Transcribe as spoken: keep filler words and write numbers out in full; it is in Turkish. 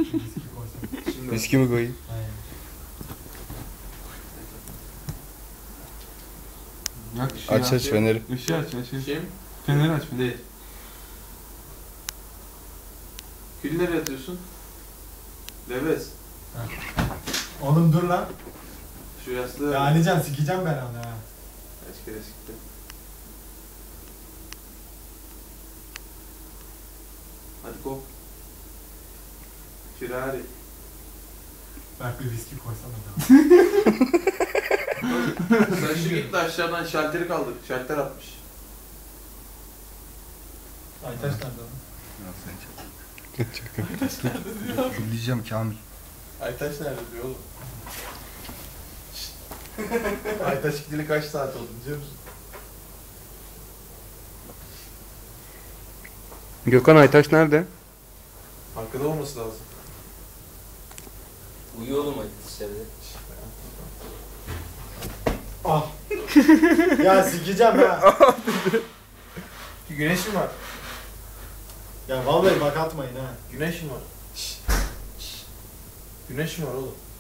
Viski koysana. Şimdi Viski mi koyayım? Aynen. Yak ışığı Aç aç feneri. Işığı aç aç. Kim? Feneri aç feneri. Değil. Kül nereye atıyorsun? Leves. Oğlum dur lan. Şu yastığı... Ya Alican sikeceğim ben onu ha. Kaç kere siktim. Hadi kop. Firari. Berk bir viski koysana da. Sen şu git de aşağıdan şalteri kaldır. Şalter atmış. Aytaş nerede lan? Aytaş nerede diyor? Güleceğim Kamil. Aytaş nerede diyor oğlum? Aytaş gideli kaç saat oldu biliyor musun? Gökhan Aytaş nerede? Arkada olması lazım. Uyuyor oğlum hadi dışarıda. Ah. Ya sikeceğim ha. Güneş mi var? Ya vallahi bak atmayın ha. Güneş mi var? Güneş mi var oğlum?